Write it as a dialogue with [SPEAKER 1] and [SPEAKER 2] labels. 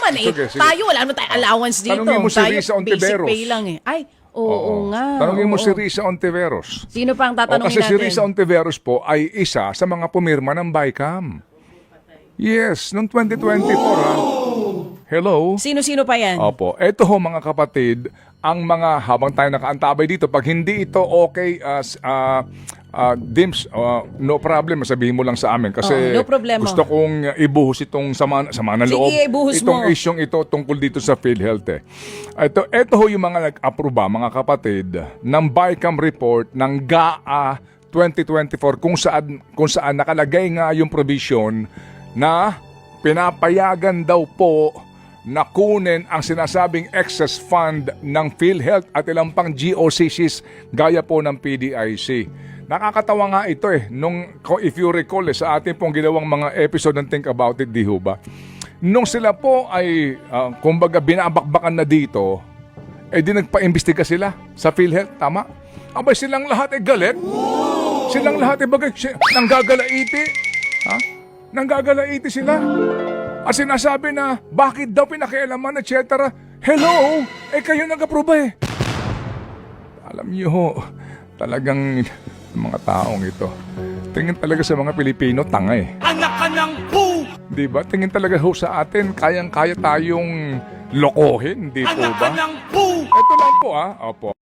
[SPEAKER 1] naman eh.
[SPEAKER 2] Sige.
[SPEAKER 1] Tayo, wala naman tayong allowance dito.
[SPEAKER 2] Tanungin mo si
[SPEAKER 1] Tayo,
[SPEAKER 2] Risa
[SPEAKER 1] basic
[SPEAKER 2] Ontiveros.
[SPEAKER 1] pay lang eh. Ay, oo nga.
[SPEAKER 2] Tanungin mo
[SPEAKER 1] oo.
[SPEAKER 2] si Risa Ontiveros.
[SPEAKER 1] Sino pa ang tatanungin
[SPEAKER 2] Kasi si
[SPEAKER 1] natin?
[SPEAKER 2] Risa Ontiveros po ay isa sa mga pumirma ng BICAM. Yes, noong 2024 ha. Hello?
[SPEAKER 1] Sino-sino pa yan?
[SPEAKER 2] Opo. Ito ho mga kapatid, ang mga habang tayo nakaantabay dito, pag hindi ito okay, Dims, no problem, sabihin mo lang sa amin. Kasi
[SPEAKER 1] no problema.
[SPEAKER 2] gusto kong ibuhos itong sama ng
[SPEAKER 1] Sige,
[SPEAKER 2] loob.
[SPEAKER 1] ibuhos
[SPEAKER 2] Itong
[SPEAKER 1] mo.
[SPEAKER 2] isyong ito tungkol dito sa PhilHealth eh. Ito ho yung mga nag-aproba, mga kapatid, ng BICAM report ng GAA 2024 kung saan nakalagay nga yung provision na pinapayagan daw po na kunin ang sinasabing excess fund ng PhilHealth at ilang pang GOCCs gaya po ng PDIC. Nakakatawa nga ito eh, if you recall sa ating pong ginawang mga episode ng Think About It, di ho ba? Nung sila po ay, kumbaga binabakbakan na dito, di nagpa-imbestiga sila sa PhilHealth, tama? Abay silang lahat ay galit. Silang lahat ay bagay, nanggagalaiti. Ha? Nanggagalaiti sila. At sinasabi na, bakit daw pinakialaman, etc. Hello? Kayo nag-aproba eh. Alam niyo ho, talagang mga taong ito, tingin talaga sa mga Pilipino, tanga eh.
[SPEAKER 3] Anak ka ng pu!
[SPEAKER 2] Diba? Tingin talaga ho sa atin, kayang-kaya tayong lokohin, di po
[SPEAKER 3] Anak ka
[SPEAKER 2] ba?
[SPEAKER 3] ng pu!
[SPEAKER 2] Ito lang po Opo.